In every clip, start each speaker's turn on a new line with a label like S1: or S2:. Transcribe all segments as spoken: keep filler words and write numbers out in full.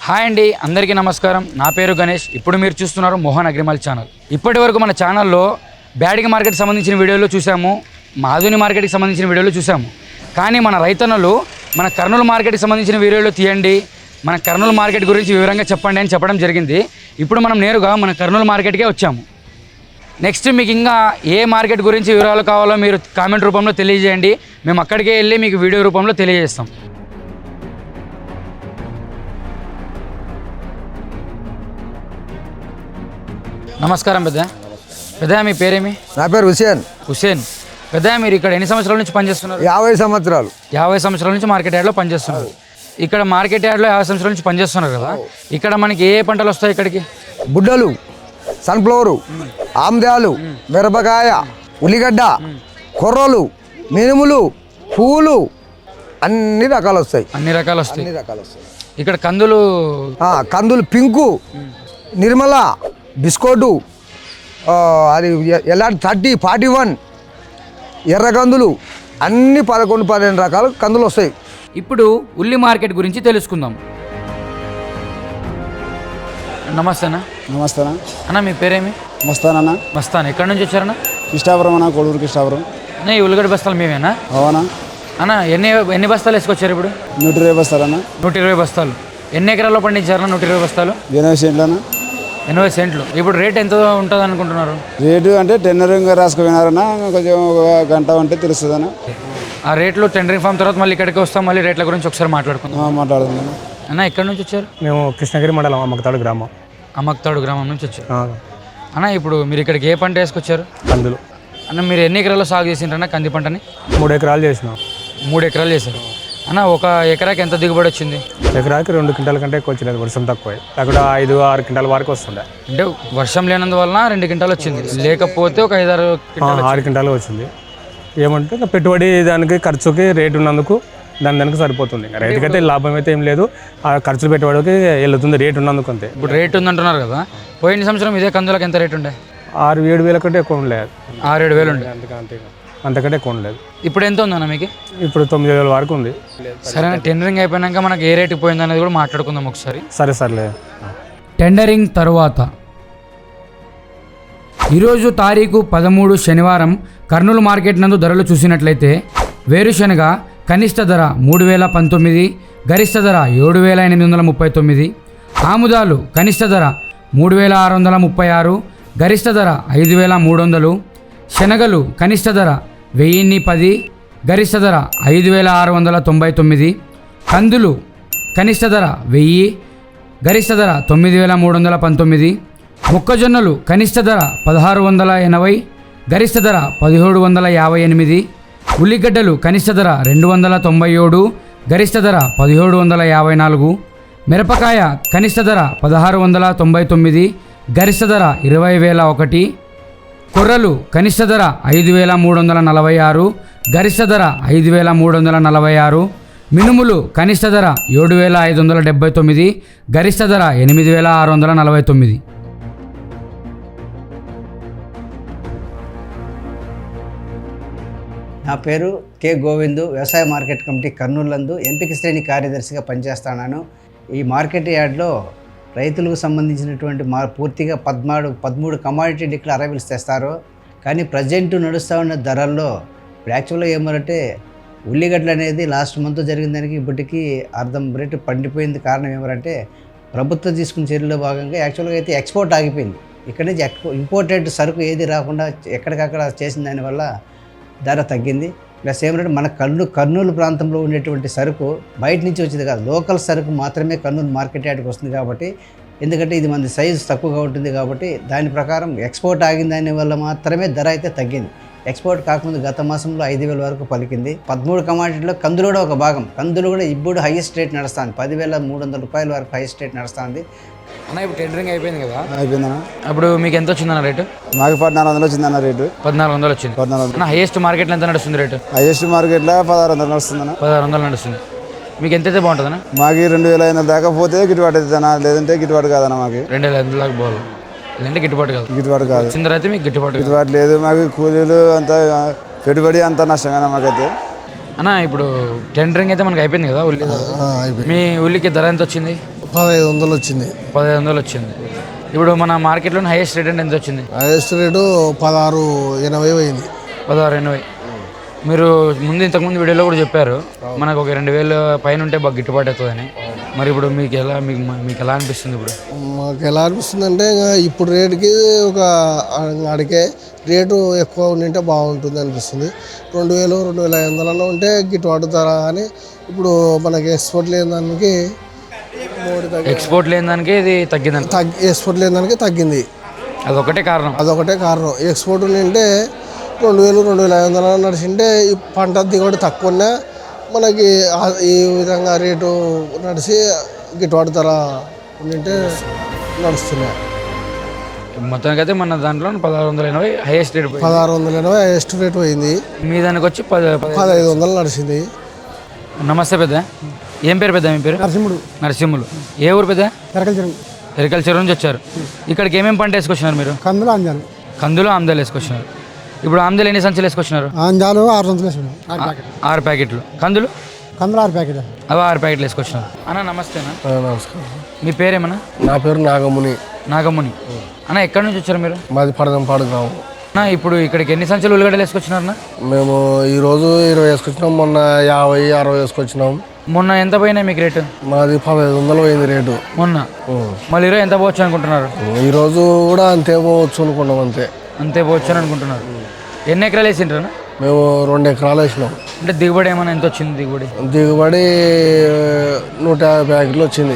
S1: Hi అండి, అందరికీ నమస్కారం. నా పేరు గణేష్. ఇప్పుడు మీరు చూస్తున్నారు మోహన్ అగ్రిమాల్ ఛానల్. ఇప్పటి వరకు మన ఛానల్లో బ్యాడిగ మార్కెట్ సంబంధించిన వీడియోలు చూసాము, మాధుని మార్కెట్కి సంబంధించిన వీడియోలు చూసాము. కానీ మన రైతన్నలు మన కర్నూలు మార్కెట్కి సంబంధించిన వీడియోలు తీయండి, మన కర్నూలు మార్కెట్ గురించి వివరంగా చెప్పండి అని చెప్పడం జరిగింది. ఇప్పుడు మనం నేరుగా మన కర్నూలు మార్కెట్కే వచ్చాము. నెక్స్ట్ మీకు ఇంకా ఏ మార్కెట్ గురించి వివరాలు కావాలో మీరు కామెంట్ రూపంలో తెలియజేయండి. మేము అక్కడికే వెళ్ళి మీకు వీడియో రూపంలో తెలియజేస్తాం. నమస్కారం పెద్ద. పెద్ద మీ పేరేమి?
S2: నా పేరు హుసేన్.
S1: హుసేన్. పెద్ద మీరు ఇక్కడ ఎన్ని సంవత్సరాల నుంచి పనిచేస్తున్నారు?
S2: యాభై సంవత్సరాలు.
S1: యాభై సంవత్సరాల నుంచి మార్కెట్ యార్డ్లో పనిచేస్తున్నారు. ఇక్కడ మార్కెట్ యార్డ్లో యాభై సంవత్సరాల నుంచి పనిచేస్తున్నారు కదా, ఇక్కడ మనకి ఏ పంటలు వస్తాయి? ఇక్కడికి
S2: బుడ్డలు, సన్ఫ్లవరు, ఆమ్దాలు, మిరపకాయ, ఉల్లిగడ్డ, కొర్రలు, మినుములు, పూలు, అన్ని రకాలు వస్తాయి.
S1: అన్ని రకాలు వస్తాయి.
S2: అన్ని రకాలు వస్తాయి.
S1: ఇక్కడ కందులు,
S2: కందులు పింకు, నిర్మల, బిస్కోటు, అది ఎలాంటి థర్టీ ఫార్టీ వన్, ఎర్ర కందులు, అన్ని పదకొండు పదిహేను రకాల కందులు వస్తాయి.
S1: ఇప్పుడు ఉల్లి మార్కెట్ గురించి తెలుసుకుందాం. నమస్తే అన్న.
S3: నమస్తే
S1: అన్న మీ పేరేమి?
S3: మస్తానన్నా.
S1: మస్తాన్. ఎక్కడి నుంచి వచ్చారన్న?
S3: కృష్ణాపురం అన్న, కొడూరు కృష్ణాపురం.
S1: అన్న ఈ ఉల్లిగడ్డ బస్తాలు మేమేనా?
S3: అవునా
S1: అన్న. ఎన్ని ఎన్ని బస్తాలు వేసుకొచ్చారు ఇప్పుడు?
S3: నూట ఇరవై బస్తాలన్నా.
S1: నూట ఇరవై బస్తాలు. ఎన్ని ఎకరాల్లో పండించారన్న నూట ఇరవై బస్తాలు?
S3: ఎనభై సెంట్లన్నా.
S1: ఎనభై సెంట్లు. ఇప్పుడు రేట్ ఎంత ఉంటుంది అనుకుంటున్నారు?
S3: రేటు అంటే టెండరింగ్ రాసుకుపోయినారన్నా, కొంచెం ఒక గంట ఉంటే తెలుస్తుందన్నా.
S1: ఆ రేట్లు టెండరింగ్ ఫామ్ తర్వాత మళ్ళీ ఇక్కడికి వస్తాం, మళ్ళీ రేట్ల గురించి ఒకసారి మాట్లాడుకుందాం.
S3: మాట్లాడుతున్నాను
S1: అన్న. ఎక్కడి నుంచి వచ్చారు?
S4: మేము కృష్ణగిరి మండలం అమ్మకతాడు గ్రామం.
S1: అమ్మకతాడు గ్రామం నుంచి వచ్చారు. అన్న ఇప్పుడు మీరు ఇక్కడికి ఏ పంట వేసుకొచ్చారు?
S4: కందులు.
S1: అన్న మీరు ఎన్ని ఎకరాల్లో సాగు చేసిండ్రన్న కంది పంటని?
S4: మూడు ఎకరాలు చేసినాం.
S1: మూడు ఎకరాలు చేశారు. అన్న ఒక ఎకరాకి ఎంత దిగుబడి వచ్చింది?
S4: ఎకరాకి రెండు క్వింటాల కంటే ఎక్కువ వచ్చింది, వర్షం తక్కువ. అక్కడ ఐదు ఆరు క్వింటాల వరకు వస్తుండే.
S1: అంటే వర్షం లేనందువలన రెండు క్వింటాలు వచ్చింది, లేకపోతే ఒక ఐదారు
S4: ఆరు క్వింటాలు వచ్చింది. ఏమంటే ఇంకా పెట్టుబడి దానికి ఖర్చుకి రేటు ఉన్నందుకు దాని దానికి సరిపోతుంది. ఇంకా రైతుకైతే లాభం అయితే ఏం లేదు, ఆ ఖర్చులు పెట్టుబడికి వెళ్తుంది రేటు ఉన్నందుకు అంతే.
S1: ఇప్పుడు రేటు ఉందంటున్నారు కదా, పోయిన సంవత్సరం ఇదే కందులకు ఎంత రేటు ఉండే?
S4: ఆరు ఏడు వేల కంటే ఎక్కువ ఉండలేదు.
S1: ఆరు ఏడు వేలు ఉండే.
S4: అంతే అంతే అంతకంటే ఎక్కువ ఉండలేదు.
S1: ఇప్పుడు ఎంత ఉందన్న మీకు?
S4: ఇప్పుడు తొమ్మిది వేల వరకు ఉంది.
S1: సరే, టెండరింగ్ అయిపోయినాక మనకి ఏ రేటుకి పోయింది అనేది కూడా మాట్లాడుకుందాం ఒకసారి.
S4: సరే సర్లే.
S1: టెండరింగ్ తరువాత ఈరోజు తారీఖు పదమూడు శనివారం కర్నూలు మార్కెట్ నందు ధరలు చూసినట్లయితే వేరుశనగ కనిష్ట ధర మూడు వేల పంతొమ్మిది, గరిష్ట ధర ఏడు వేల ఎనిమిది వందల ముప్పై తొమ్మిది. ఆముదాలు కనిష్ట ధర మూడు వేల ఆరు వందల ముప్పై ఆరు, గరిష్ట ధర ఐదు వేల మూడు వందలు. శనగలు కనిష్ట ధర వెయ్యిన్ని పది, గరిష్ట ధర ఐదు వేల ఆరు వందల తొంభై తొమ్మిది. కందులు కనిష్ట ధర వెయ్యి, గరిష్ట ధర తొమ్మిది వేల మూడు వందల పంతొమ్మిది. మొక్కజొన్నలు కనిష్ట ధర పదహారు వందల ఎనభై, గరిష్ట ధర పదిహేడు వందల యాభై ఎనిమిది. ఉల్లిగడ్డలు కనిష్ట ధర రెండు వందల తొంభై ఏడు, గరిష్ట ధర పదిహేడు వందల యాభై నాలుగు. మిరపకాయ కనిష్ట ధర పదహారు వందల తొంభై తొమ్మిది, గరిష్ట ధర ఇరవై వేల ఒకటి. కొర్రలు కనిష్ట ధర ఐదు వేల మూడు వందల నలభై ఆరు, గరిష్ట ధర ఐదు వేల మూడు వందల నలభై ఆరు. మినుములు కనిష్ట ధర ఏడు వేల ఐదు వందల డెబ్బై తొమ్మిది, గరిష్ట ధర ఎనిమిది వేల ఆరు వందల నలభై తొమ్మిది.
S5: నా పేరు కె గోవిందు. వ్యవసాయ మార్కెట్ కమిటీ కర్నూలు నందు ఎంపిక శ్రేణి కార్యదర్శిగా పనిచేస్తున్నాను. ఈ మార్కెట్ యార్డ్లో రైతులకు సంబంధించినటువంటి మా పూర్తిగా పదమూడు పదమూడు కమాడిటీ డిక్ల అరైవల్స్ తెస్తారు. కానీ ప్రజెంట్ నడుస్తూ ఉన్న ధరల్లో ఇప్పుడు యాక్చువల్గా ఏమంటే ఉల్లిగడ్డలు అనేది లాస్ట్ మంత్ జరిగిన దానికి ఇప్పటికీ అర్ధం రేటు పండిపోయింది. కారణం ఏమంటే ప్రభుత్వం తీసుకున్న చర్యల్లో భాగంగా యాక్చువల్గా అయితే ఎక్స్పోర్ట్ ఆగిపోయింది. ఇక్కడి నుంచి ఎక్స్పో ఇంపోర్టెడ్ సరుకు ఏది రాకుండా ఎక్కడికక్కడ చేసిన దానివల్ల ధర తగ్గింది. ప్లస్ ఏమంటే మన కర్నూలు కర్నూలు ప్రాంతంలో ఉండేటువంటి సరుకు బయట నుంచి వచ్చేది కాదు, లోకల్ సరుకు మాత్రమే కర్నూలు మార్కెట్ యార్డ్కి వస్తుంది. కాబట్టి ఎందుకంటే ఇది మన సైజు తక్కువగా ఉంటుంది కాబట్టి దాని ప్రకారం ఎక్స్పోర్ట్ ఆగిన దాని వల్ల మాత్రమే ధర అయితే తగ్గింది. ఎక్స్పోర్ట్ కాకముందు గత మాసంలో ఐదు వేల వరకు పలికింది. పదమూడు కమాడిటీలో కందులు కూడా ఒక భాగం. కందులు కూడా ఇప్పుడు హైయెస్ట్ రేట్ నడుస్తుంది, పదివేల మూడు వందల రూపాయల వరకు హైయెస్ట్ రేట్ నడుస్తుంది.
S1: అన్న ఇప్పుడు టెండరింగ్ అయిపోయింది కదా,
S3: అయిపోయిందన్న.
S1: అప్పుడు మీకు ఎంత వచ్చిందన్న రేటు?
S3: మాకు పద్నాలుగు వందలు వచ్చిందన్న రేటు.
S1: పద్నాలుగు వందలు వచ్చింది.
S3: పద్నాలుగు వందలు.
S1: హైయెస్ట్ మార్కెట్లో ఎంత నడుస్తుంది రేటు?
S3: హైయెస్ట్ మార్కెట్లో పదహారు వందలు నడుస్తుందన్న.
S1: పదహారు వందలు నడుస్తుంది. మీకు ఎంత అయితే బాగుంటుందన్న?
S3: మాకు రెండు వేల ఐదు వందలు దాకా పోతే గిట్టుబాటు అవుతుందన్న, లేదంటే గిట్టుబాటు కాదన్న. మాకు
S1: రెండు వేల ఐదు దాకా పోవాలి, లేదంటే గిట్టుబాటు కాదు.
S3: గిట్టుబాటు కాదు.
S1: చిందర అయితే మీకు గిట్టుబాటు
S3: గిట్టుబాటు లేదు. మాకు కూలీలు అంతా పెట్టుబడి అంతా నష్టమేనా మాకైతే.
S1: అన్న ఇప్పుడు టెండరింగ్ అయితే మనకి అయిపోయింది కదా ఉల్లి, మీ ఉల్లికి ధర ఎంత వచ్చింది?
S6: పదహైదు వందలు వచ్చింది.
S1: పదిహేను వందలు వచ్చింది. ఇప్పుడు మన మార్కెట్లో హైయెస్ట్ రేట్ అంటే ఎంత వచ్చింది?
S6: హైయెస్ట్ రేటు పదహారు ఎనభై పోయింది.
S1: పదహారు ఎనభై. మీరు ముందు ఇంతకుముందు వీడియోలో కూడా చెప్పారు మనకు ఒక రెండు వేల పైన ఉంటే బాగా గిట్టుబాటు అవుతుందని. మరి ఇప్పుడు మీకు ఎలా మీకు మీకు ఎలా అనిపిస్తుంది? ఇప్పుడు
S6: మాకు ఎలా అనిపిస్తుంది అంటే ఇప్పుడు రేటుకి ఒక అడిగే రేటు ఎక్కువ ఉండింటే బాగుంటుంది అనిపిస్తుంది. రెండు వేలు రెండు వేల ఐదు వందలలో ఉంటే గిట్టుబాటు ధర. అని ఇప్పుడు మనకి ఎక్స్పోర్ట్ లేని దానికి
S1: ఎక్స్పోర్ట్ లేని దానికి ఇది తగ్గింది.
S6: తగ్గి ఎక్స్పోర్ట్ లేని దానికి తగ్గింది.
S1: అదొకటే కారణం.
S6: అదొకటే కారణం. ఎక్స్పోర్ట్ ఉండింటే రెండు వేలు రెండు వేల ఐదు వందలు నడిచింటే ఈ పంట దిగుబడి తక్కువనే మనకి ఈ విధంగా రేటు నడిచి గిట్టుబాటు ధర ఉండింటే నడుస్తున్నాయి.
S1: మొత్తానికి అయితే మన దాంట్లో పదహారు వందల ఎనభై హైయెస్ట్ రేట్.
S6: పదహారు వందల ఎనభై హైయెస్ట్ రేట్ పోయింది.
S1: మీ దానికి వచ్చి పద
S6: పదహైదు వందలు నడిచింది.
S1: నమస్తే పెద్ద. ఏం పేరు పెద్ద? మీ పేరు?
S6: నరసింహుడు.
S1: నరసింహులు. ఏ ఊరు పెద్ద?
S6: ఎరకల్చరం.
S1: ఎరకల్చర్ నుంచి వచ్చారు. ఇక్కడికి ఏమేమి పంట వేసుకొచ్చినారు మీరు?
S6: కందులు అంజాలు.
S1: కందులు ఆమ్దాలు వేసుకొచ్చినారు. ఇప్పుడు ఆమ్దాలు ఎన్ని సంచులు వేసుకొచ్చినారు?
S6: అంజాలు ఆరు సంచులు వేసుకున్నాం.
S1: ఆరు ప్యాకెట్లు. కందులు?
S6: కందులు ఆరు ప్యాకెట్.
S1: అవి ఆరు ప్యాకెట్లు వేసుకొచ్చినారు. అన్న నమస్తేనా.
S6: నమస్కారం.
S1: మీ పేరేమన్నా?
S6: నా పేరు నాగముని.
S1: నాగముని. అన్న ఎక్కడి నుంచి వచ్చారు మీరు?
S6: మాది పడదంపాడు గ్రామం.
S1: అన్న ఇప్పుడు ఇక్కడికి ఎన్ని సంచులు ఉల్లిగడ్డలు వేసుకొచ్చినారన్నా?
S6: మేము ఈరోజు ఇరవై వేసుకొచ్చినాం. మొన్న యాభై అరవై వేసుకొచ్చినాం.
S1: మొన్న ఎంత పోయినాయి మీకు రేటు?
S6: మాది పదహైదు వందలు పోయింది రేటు
S1: మొన్న. మళ్ళీ ఈరోజు ఎంత పోవచ్చు అనుకుంటున్నారు?
S6: ఈరోజు కూడా అంతే పోవచ్చు అనుకున్నాం. అంతే
S1: అంతే పోవచ్చు అని అనుకుంటున్నారు. ఎన్ని ఎకరాలు వేసింటారా?
S6: మేము రెండు ఎకరాలు వేసినాం.
S1: అంటే దిగుబడి ఏమైనా ఎంత వచ్చింది? దిగుబడి
S6: దిగుబడి నూట యాభై ప్యాకెట్లు వచ్చింది.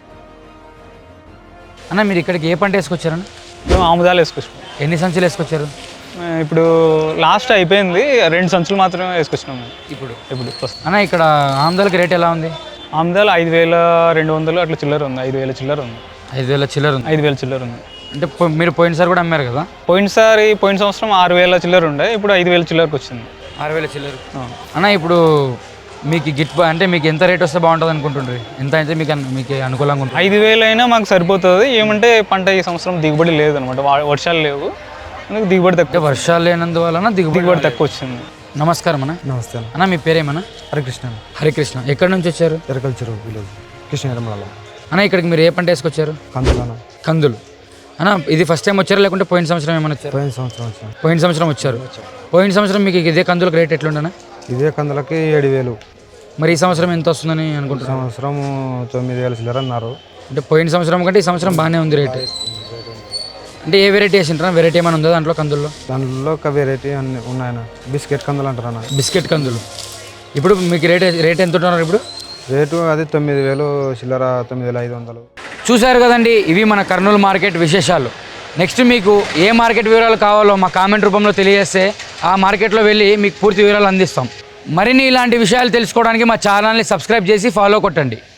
S1: అన్న మీరు ఇక్కడికి ఏ పంట వేసుకొచ్చారన్న?
S7: మేము ఆముదాలు వేసుకొచ్చాం.
S1: ఎన్ని సంచులు వేసుకొచ్చారు?
S7: ఇప్పుడు లాస్ట్ అయిపోయింది, రెండు సంచులు మాత్రమే వేసుకొచ్చినాం మేము
S1: ఇప్పుడు.
S7: ఇప్పుడు
S1: అన్న ఇక్కడ ఆముదాలకి రేట్ ఎలా ఉంది?
S7: ఆముదాలు ఐదు వేల రెండు వందలు అట్లా చిల్లర ఉంది. ఐదు వేల చిల్లర ఉంది.
S1: ఐదు వేల చిల్లర ఉంది.
S7: ఐదు వేల చిల్లర ఉంది.
S1: అంటే పో- మీరు పోయినసారి కూడా అమ్మారు కదా?
S7: పోయినసారి పోయిన సంవత్సరం ఆరు వేల చిల్లర ఉండే, ఇప్పుడు ఐదు వేల చిల్లరకు వచ్చింది.
S1: ఆరు వేల చిల్లర. అన్న ఇప్పుడు మీకు గిట్ అంటే మీకు ఎంత రేట్ వస్తే బాగుంటుంది అనుకుంటుండ్రి? ఎంత అయితే మీకు అన్- మీకు అనుకూలంగా ఉంటుంది?
S7: ఐదు వేలు అయినా మాకు సరిపోతుంది. ఏమంటే పంట ఈ సంవత్సరం దిగుబడి లేదనమాట. వా- వర్షాలు లేవు, అందుకు దిగుబడి
S1: అంటే
S7: తక్కువ.
S1: వర్షాలు లేనందువలన దిగుబడి
S7: దిగుబడి తక్కువ వచ్చింది.
S1: నమస్కారం అన్న.
S8: నమస్తే అన్న.
S1: అన్న మీ పేరేమన్నా?
S8: హరికృష్ణ.
S1: హరికృష్ణ. ఎక్కడి నుంచి వచ్చారు?
S8: ఎరకల్చరు విలేజ్ కృష్ణగిరిమలలో.
S1: అన్న ఇక్కడికి మీరు ఏ పంట వేసుకొచ్చారు?
S8: కందులన.
S1: కందులు. అన్న ఇది ఫస్ట్ టైం వచ్చారా లేకుంటే పోయిన సంవత్సరం ఏమైనా వచ్చారు?
S8: పోయిన సంవత్సరం వచ్చాను.
S1: పోయిన సంవత్సరం వచ్చారు. పోయిన సంవత్సరం మీకు ఇదే కందులకు రేట్ ఎట్లుండనా?
S8: ఇదే కందులకి ఏడు వేలు.
S1: మరి ఈ సంవత్సరం ఎంత వస్తుందని అనుకుంటున్నాను?
S8: సంవత్సరం తొమ్మిది వేల చిల్లర అన్నారు.
S1: అంటే పోయిన సంవత్సరం కంటే ఈ సంవత్సరం బాగానే ఉంది రేట్. అంటే ఏ వెరైటీ వేసింటారా? వెరైటీ ఏమైనా ఉందా దాంట్లో కందుల్లో?
S8: దాంట్లో ఒక వెరైటీ అన్ని ఉన్నాయన్న. బిస్కెట్ కందులు అంటారు అన్న.
S1: బిస్కెట్ కందులు. ఇప్పుడు మీకు రేట్ రేట్ ఎంత ఉంటున్నారు ఇప్పుడు?
S8: రేటు అది తొమ్మిది వేలు చిల్లర, తొమ్మిది వేల ఐదు వందలు.
S1: చూశారు కదండి, ఇవి మన కర్నూలు మార్కెట్ విశేషాలు. నెక్స్ట్ మీకు ఏ మార్కెట్ వివరాలు కావాలో మా కామెంట్ రూపంలో తెలియజేస్తే ఆ మార్కెట్లో వెళ్ళి మీకు పూర్తి వివరాలు అందిస్తాం. మరిన్ని ఇలాంటి విషయాలు తెలుసుకోవడానికి మా ఛానల్ని సబ్స్క్రైబ్ చేసి ఫాలో కొట్టండి.